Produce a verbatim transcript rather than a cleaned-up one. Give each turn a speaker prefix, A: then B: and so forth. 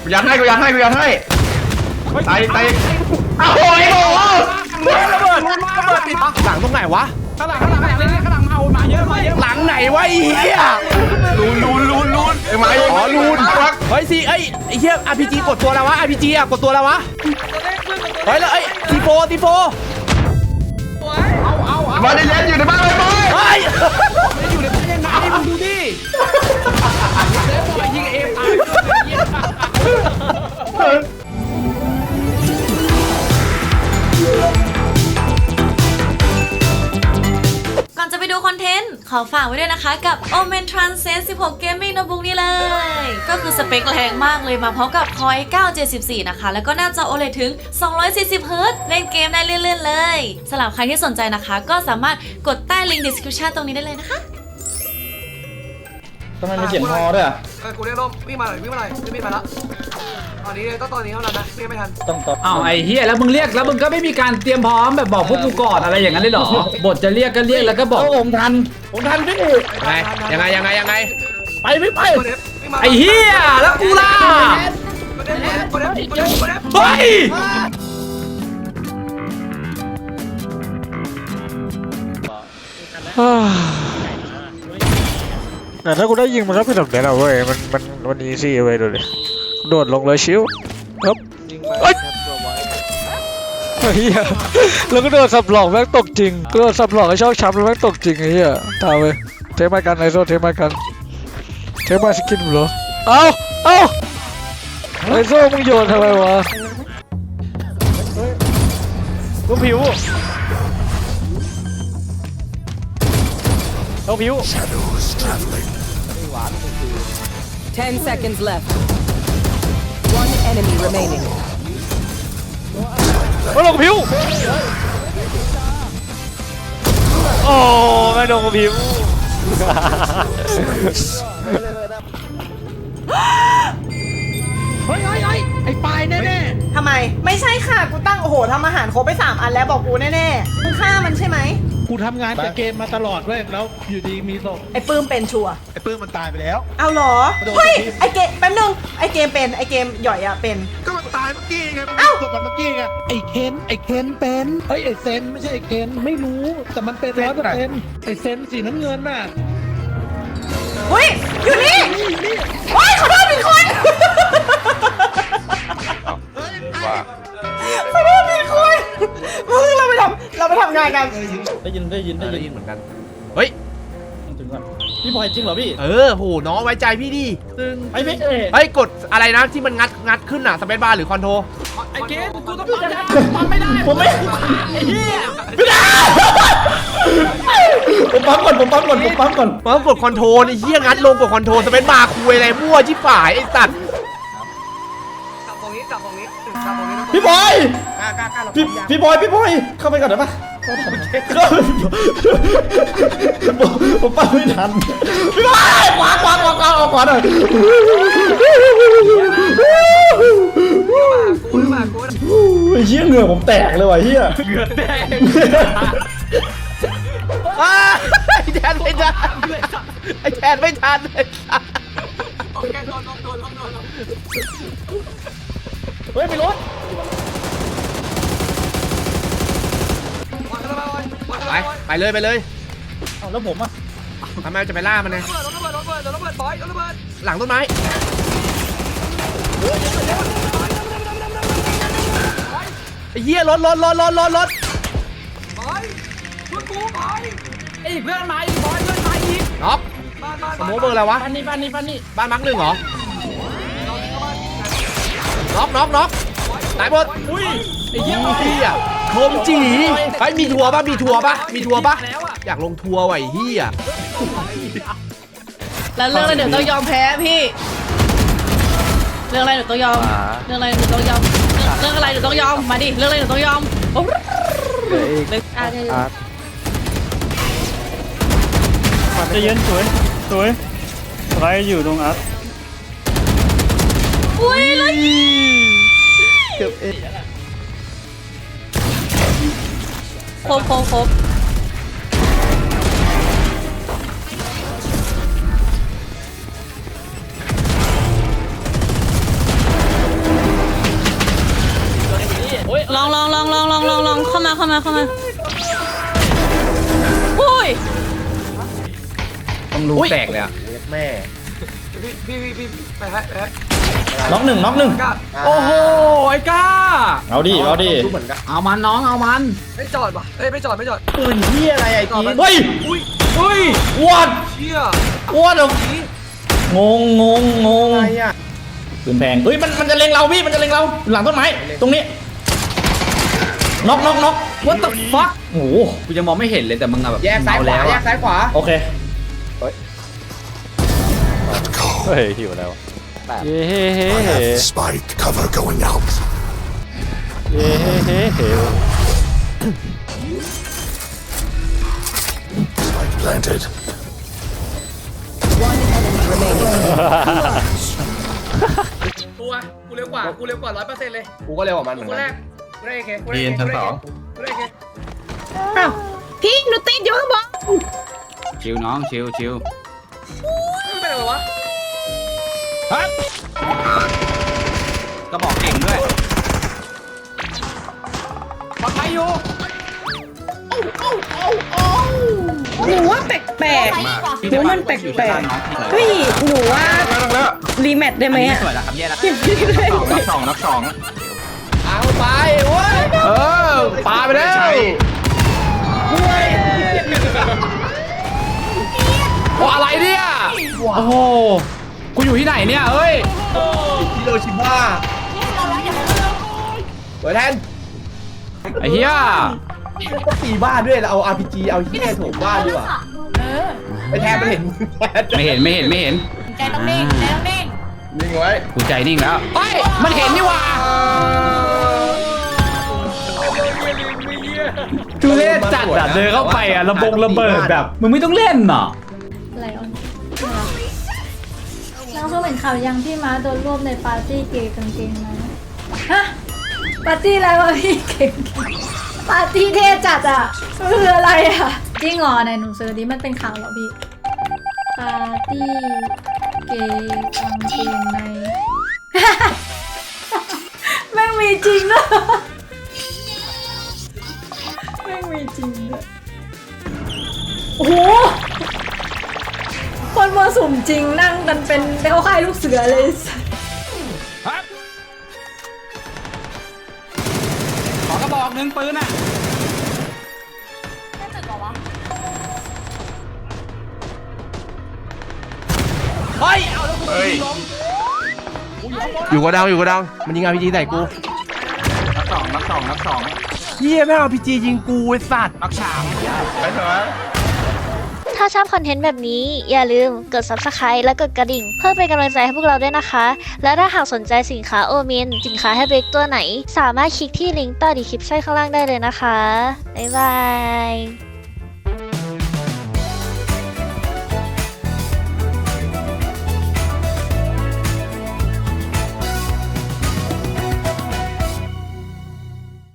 A: กูยัดให้กูยัดให้กูยัดให้ตายตายอ้าวโอ้ยโอ้ยระเบิดระเบิดติดหลังตรงไหนวะ
B: ข้างหลังข้างหลังข้างหลังเลยข้างหลังมามาเยอะมาเยอะ
A: หลังไหนวะไอ้เหี้ยลูนลูนลูนลูนไอ้ไม้อ๋อลูนเฮ้ยสิไอ้ไอ้เหี้ย อาร์ พี จี กดตัวแล้ววะ อาร์ พี จี อ่ะกดตัวแล้ววะเฮ้ยแล้วไอ้ทีโฟทีโฟ
B: เอาเอาเอา
A: มาดิเล่นอยู่ในบ้านเลยบอย
B: เฮ้ยอยู่ในบ้านยังไงมึงดูดิแล้วบอยยิงเอฟตาย
C: ก่อนจะไปดูคอนเทนต์ขอฝากไว้ด้วยนะคะกับ Omen Transcend สิบหก Gaming Notebook นี่เลยก็คือสเปคแรงมากเลยมาพร้อมกับ Core ไอ เก้า เจ็ดสิบสี่ นะคะแล้วก็หน้าจอ โอ แอล อี ดี ถึง สองร้อยสี่สิบ เฮิร์ตซ์ เล่นเกมได้เลื่อนๆเลยสำหรับใครที่สนใจนะคะก็สามารถกดใต้ลิงก์ description ตรงนี้ได้เลยนะคะ
A: ทำไมไม่เขียนฮอด้วยอ่ะ
D: เออกูเรียกร่มวิ่งมาหน่อยวิ่งมาหน่อยวิ่งมาแล้วตอนนี้เลยต้องตอนนี้เท่านั้นนะวิ่งไม่ทัน
A: ต้องต่อ
E: อ้าวไอ้เฮียแล้วมึงเรียกแล้วมึงก็ไม่มีการเตรียมพร้อมแบบบอกพวกกูก่อนอะไรอย่างนั้นเลยเหรอบทจะเรียกก็เรียกแล้วก็บอก
A: ผมทันผมทันพี่ยังไงยังไงยังไงยังไงไปไม่ไป
E: ไอ้เฮียแล้วกูล่ะ
A: เฮ้ย
F: แต่ถ้ากูได้ยิงมันก็เป็นแบบนี้แหละเว้ยมันมันมันอีซี่เว้ยดูดิโดดลงเลยชิวครับเอ้ยเฮียแล้วก็โดดสับหลอกแม่งตกจริงก็โดดสับหลอกไอ้ชอบช้ำแล้วแม่งตกจริงไอ้เหี้ยตามไปเทมากันไอโซเทมากันเทมาสกินเหรอเอาเอาไอโซมึงโยนทำไมวะลูกผิวลูกผิว
G: Ten seconds left. One enemy remaining.
F: โอ้ลงผิวโอ้ไม่ลงผิว
B: เฮ้ยเฮ้ยเฮ้ยไอ้ปลายแน่
H: ๆทำไมไม่ใช่ค่ะกูตั้งโอ้โหทำอาหารครบไปสามอันแล้วบอกกูแน่ๆมึงฆ่ามันใช่ไหม
B: กูทำงานแต่เกมมาตลอดเว้ยแล้วอยู่ดีมีศพ
H: ไอ้ปื้มเป็นชัว
B: ไอ้ปื้มมันตายไปแล้ว
H: เอาเหรอเฮ้ยไอ้เกมแป๊บนึงไอ้เกมเป็นไอ้เกมหย่อยอะเป็น
B: ก็มันตายเมื่อกี้ไงเอ้าศพมันเมื่อกี้ไงไอ้เคนไอ้เคนเป็นเฮ้ยไอ้เซนไม่ใช่ไอ้เคนไม่รู้แต่มันเป็นร้อยเปอร์เซ็นต์ไอ้เซนสีน้ำเงินน่ะ
H: เฮ้ยอยู่นี่โอ้ยขอโทษผิดคนขอโทษผิดคนมึงเราไปทำเราไปทำงานกัน
A: ได้ยินได้ยินได้ยินเหมือนกันเฮ้ย
B: ถึงก่อนพี่บอยจริงเหรอพี่
A: เออโหน้องไว้ใจพี่ดิ
B: ตึงไอ้เมฆ
A: เฮ้ยกดอะไรนะที่มันงัดงัดขึ้นอ่ะสเปซบาร์หรือคอนโทร
B: ไอ้เกมกูต้องปั๊มไม่ได้
A: ผมไม่ไอ้เหี้ยไม่ได้ผมปั๊มก่อนผมปั๊มก่อนผมปั๊มก่อนปั๊มกดคอนโทรไอ้เหี้ยงัดลงกดคอนโทรสเปซบาร์คุยอะไรมั่วชิบหายไอ้สัตว์
D: จับตรงนี้จับตรงนี้จับตรงนี้
A: พี่บอยพี่พี่บอยพี่บอยเข้าไปก่อนได้ปะผมปั๊มไม่ทันพี่บอยขวาขวาขวาขวาขวาหน่อย
D: กูมากู
A: ไอ้เหี้ยเหงื่อผมแตกเลยว่ะเหี้ย
B: เหงื่อแตก
A: ไอ้แทนไม่ทันไอ้แทนไม่ทันเลยเฮ้ยไปรถไปไปเลยไปเลย
B: เอาแล้วผมอ่ะ
A: ทำไมจะไปล่ามันไงหลังต้นไม้ไอ้เหี้ยรถรถรถรถรถรถ
B: ไอ้เพื่อนมาอีกบอยเพื่อนมาอีก
A: น็อกสมมติเบอร์อะไรวะ
B: บ้านนี้บ้านนี้บ้านนี้
A: บ้านมักหนึ่งเหรอน็อกน็อกน็อกตายหมด
B: อุ้ยไอ้เหี้ย
A: เหี้ยโคมจีไอ้มีทัวร์ป่ะมีทัวร์ป่ะมีทัวร์ป่ะอยากลงทัวร์ไว้เหี้ย
C: แล้วเรื่องอะไรเดี๋ยวต้องยอมแพ้พี่เรื่องอะไรเดี๋ยวต้องยอมเรื่องอะไรเดี๋ยวต้องยอมเรื่องอะไรเดี๋ยวต้องยอมมาดิเรื่องอะไรเดี๋ยวต้องยอม
F: จะเย็นสวยสวยใครอยู่ตรงอัพ
C: อุ้ยเลย
A: เกือบเอ็น
C: ครบครบครบมาเข้ามาเข้ามาอุ้ย
E: ต้องรู้แตกเลยอะ
A: แม่
D: พี่พี่พี่พี่ไปฮะไปฮะ
I: น็อกหนึ่งน็อกหนึ่ง
D: กล้า
E: โอ้โหไอ้ก้า
I: เอาดิเอาดิ
A: รู้เหมือนกัน
E: เอามันน้องเอามัน
D: ไม่จอดป่ะเอ้ยไม่จอดไม่จอด
A: ปืนที่อะไรไอ้จีน
I: เฮ้ย
D: อุ้ย
E: เฮ้ย
I: วัด
D: เชี่ย
I: วัดเหรอ
D: นี่
I: งงงงงง
A: อะไรอ่ะ
I: ปืนแพงเฮ้ยมันมันจะเล็งเราพี่มันจะเล็งเราหลังต้นไม้ตรงนี้น็อกน็อกน็อก
E: what the fuck โอ้โหกูยังมองไม่เห็นเลยแต่มึงอะแบบ
A: แยกซ้ายขวา
E: เม
A: แย
E: อะ
A: กซ้ายขวา
I: โอเค
F: เฮ้ยหิวแล้วเย้เฮ้เฮ้เฮ้
J: Spike cover going out.
F: เย้เฮ้เฮ้เฮ้
J: Spike planted.
G: One enemy remaining.
D: ตัวกูเร็วกว่ากูเร็วกว่าร้อยเปอร์เซ็นต์เลย
A: กูก็เร็วกว่ามันเหมือน
D: กู
A: กั
D: แร
A: น
D: กกูได้เอเคกูได้เอเคกูได้เอเคกูได้เอเค
H: อ้าวพี่หนูติดอยู่ข้างบน
E: ชิวน้องชิวชิว
D: ไม่เป็นไรวะ
E: ก็บอกเก่งด้วยปลอดภัยอยู่
H: หนูว่าแปลกๆหนูมันแปลกๆเฮ้ยหนูว่ารีแมทได้ไหม
E: ไม่
H: อะ
E: สวยแล้วครับแย่แล้ว
H: ยังไม่ได้
E: นักสองนักสอง
A: เอาไปเว้ยเออปาไปแล้วโอ้อะไรเนี่ย
E: โอ้โหกูอยู่ที่ไหนเนี่ยเอ้ย
A: ฮิโรชิมาเปิดแทน
E: ไอ้เหี้ย
A: ก็ตีบ้านด้วยเราเอา อาร์ พี จี เอาที่แทนโถมบ้านดีกว่าไปแทนมันเห็นแทน
E: ไม่เห็นไม่เห็นไม่เห็น
C: ใจต้องนิ่งใจต้องนิ่ง
A: นิ่งไว้
E: กูใจนิ่งแล้วเฮ้ยมันเห็นนี่หว่าทุเรศจัดอะเดินเข้าไปอะระบงระเบิดแบบมึงไม่ต้องเล่นหรอ
K: ไลออนน้องเพิ่งเห็นข่าวยังพี่ม้าโดนรวบในปาร์ตี้เกย์กางเกงในฮะปาร์ตี้อะไรวะพี่เก่งปาร์ตี้เท่จัดอ่ะคืออะไรอ่ะจริงเหรอไหนหนูเซิร์ชดิมันเป็นข่าวเหรอพี่ปาร์ตี้เกย์กางเกงใน แม่งมีจริงด้วยแม่งมีจริงด้วยโอ้โหคนมาสุ่มจริงนั่งกันเป็นเขาค่ายลูกเสือเลย
E: ขอกระบอกหนึ่งปืนอ่ะ
A: เฮ้ยเอาแล้วกูอยู่กระดังอยู่กระดังมันยิง อาร์ พี จี ใส่กู
E: นักสองนักสองนักสอง
A: เฮียแม่ง อาร์ พี จี ยิงกูไอ้สัตว์
E: นักสาม
K: ถ้าชอบคอนเทนต์แบบนี้อย่าลืมกด ซับสไครบ์ และกดกระดิ่ง เพื่อเป็นกำลังใจให้พวกเราด้วยนะคะ และถ้าหากสนใจสินค้าโอมินสินค้าให้เบรกตัวไหน สามารถคลิกที่ลิงก์ใต้ดีคลิปชั่นข้างล่างได้เลยนะคะ บ๊ายบาย